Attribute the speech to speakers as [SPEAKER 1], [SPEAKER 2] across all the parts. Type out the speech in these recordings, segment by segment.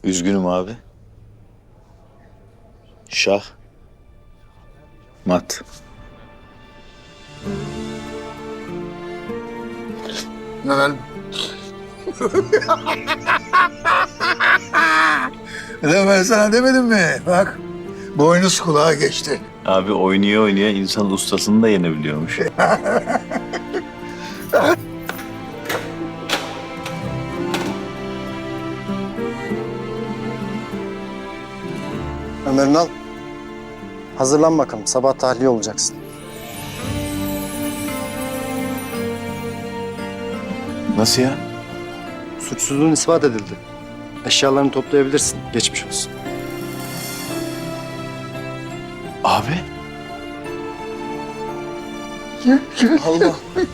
[SPEAKER 1] Üzgünüm abi. Şah. Mat.
[SPEAKER 2] Lan. Lan ben sana demedim mi? Bak, boynuz kulağa geçti.
[SPEAKER 1] Abi oynaya oynaya insan ustasını da yenebiliyormuş.
[SPEAKER 3] Ömer'ini al. Hazırlan bakalım. Sabah tahliye olacaksın.
[SPEAKER 1] Nasıl ya?
[SPEAKER 3] Suçsuzluğun ispat edildi. Eşyalarını toplayabilirsin. Geçmiş olsun.
[SPEAKER 1] Abi.
[SPEAKER 2] Allah.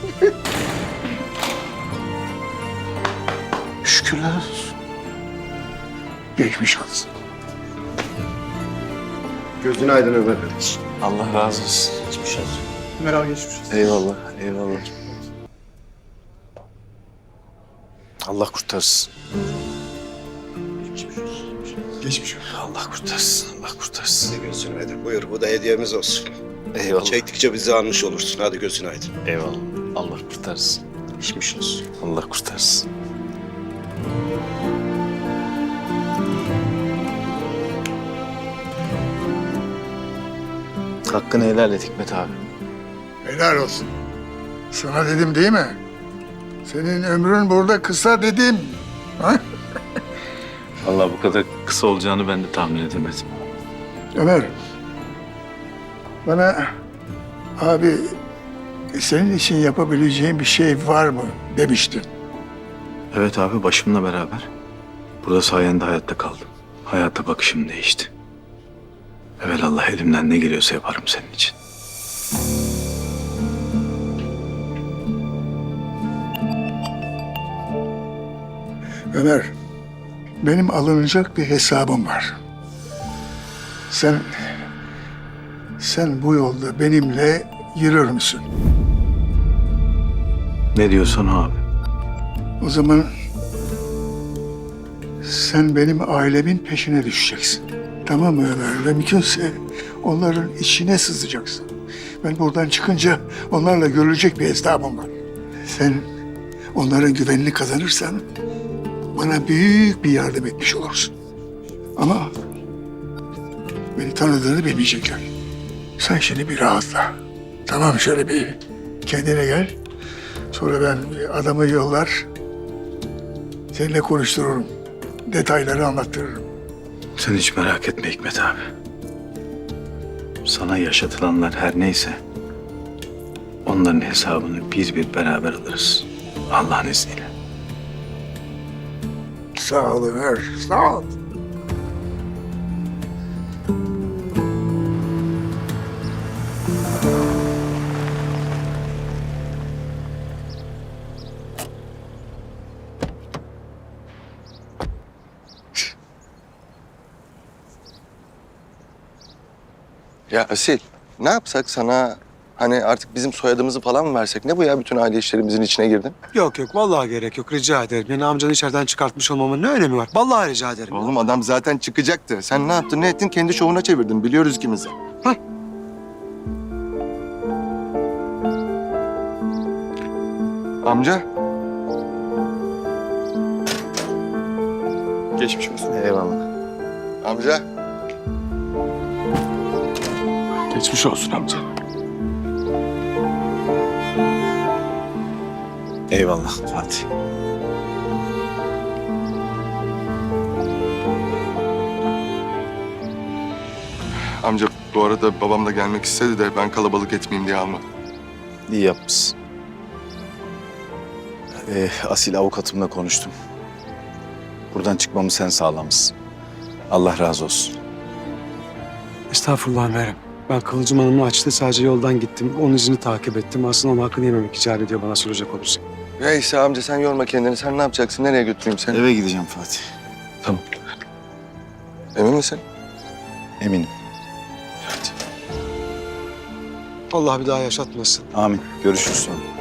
[SPEAKER 1] Şükürler olsun.
[SPEAKER 2] Geçmiş olsun.
[SPEAKER 3] Gözün aydın Ömer.
[SPEAKER 1] Allah razı olsun. Geçmiş olsun.
[SPEAKER 4] Ömer abi geçmiş olsun.
[SPEAKER 1] Eyvallah, eyvallah. Allah kurtarsın.
[SPEAKER 4] Geçmiş olsun.
[SPEAKER 1] Allah kurtarsın, Allah kurtarsın.
[SPEAKER 5] Hadi gözün aydın. Buyur, bu da hediyemiz olsun.
[SPEAKER 1] Eyvallah.
[SPEAKER 5] Çektikçe bizi anmış olursun. Hadi gözün aydın.
[SPEAKER 1] Eyvallah. Allah kurtarsın.
[SPEAKER 5] Geçmiş olsun.
[SPEAKER 1] Allah kurtarsın. Hakkını helal et Hikmet abi.
[SPEAKER 2] Helal olsun. Sana dedim değil mi? Senin ömrün burada kısa dedim. Ha?
[SPEAKER 1] Vallahi bu kadar kısa olacağını ben de tahmin edemedim.
[SPEAKER 2] Ömer, bana abi senin için yapabileceğim bir şey var mı demiştin.
[SPEAKER 1] Evet abi, başımla beraber. Burada sayende hayatta kaldım. Hayata bakışım değişti. Evelallah elimden ne geliyorsa yaparım senin için.
[SPEAKER 2] Ömer, benim alınacak bir hesabım var. Sen bu yolda benimle yürür müsün?
[SPEAKER 1] Ne diyorsan o abi.
[SPEAKER 2] O zaman sen benim ailemin peşine düşeceksin. Tamam mı Ömer? Ve mümkünse onların içine sızacaksın. Ben buradan çıkınca onlarla görülecek bir hesabım var. Sen onların güvenini kazanırsan bana büyük bir yardım etmiş olursun. Ama beni tanıdığını bilmeyecekler. Sen şimdi bir rahatla. Tamam, şöyle bir kendine gel. Sonra ben bir adamı yollar, seninle konuştururum. Detayları anlattırırım.
[SPEAKER 1] Sen hiç merak etme Hikmet abi. Sana yaşatılanlar her neyse onların hesabını bir beraber alırız. Allah'ın izniyle.
[SPEAKER 2] Sağ ol Ömer, sağ ol.
[SPEAKER 6] Ya Asil, ne yapsak sana hani artık bizim soyadımızı falan mı versek? Ne bu ya, bütün aile işlerimizin içine girdin?
[SPEAKER 4] Yok yok vallahi gerek yok, rica ederim. Yani amcanı içeriden çıkartmış olmamın ne önemi var? Vallahi rica ederim.
[SPEAKER 6] Oğlum adam zaten çıkacaktı. Sen ne yaptın, ne ettin? Kendi şovuna çevirdin. Biliyoruz ikimiz de. Amca. Geçmiş olsun.
[SPEAKER 1] Eyvallah.
[SPEAKER 6] Amca.
[SPEAKER 4] Geçmiş olsun amca.
[SPEAKER 1] Eyvallah Fatih.
[SPEAKER 6] Amca bu arada babam da gelmek istedi de ben kalabalık etmeyeyim diye almadım.
[SPEAKER 1] İyi yapmışsın. Asil avukatımla konuştum. Buradan çıkmamı sen sağlamışsın. Allah razı olsun.
[SPEAKER 4] Estağfurullah Meryem. Ben Kıvılcım Hanım'la açtı, sadece yoldan gittim. Onun izini takip ettim. Aslında onun hakkını yememek icap ediyor bana soracak olursak.
[SPEAKER 6] Neyse amca sen yorma kendini. Sen ne yapacaksın? Nereye götüreyim seni?
[SPEAKER 1] Eve gideceğim Fatih.
[SPEAKER 6] Tamam. Emin misin?
[SPEAKER 1] Eminim.
[SPEAKER 4] Allah bir daha yaşatmasın.
[SPEAKER 1] Amin. Görüşürüz sonra.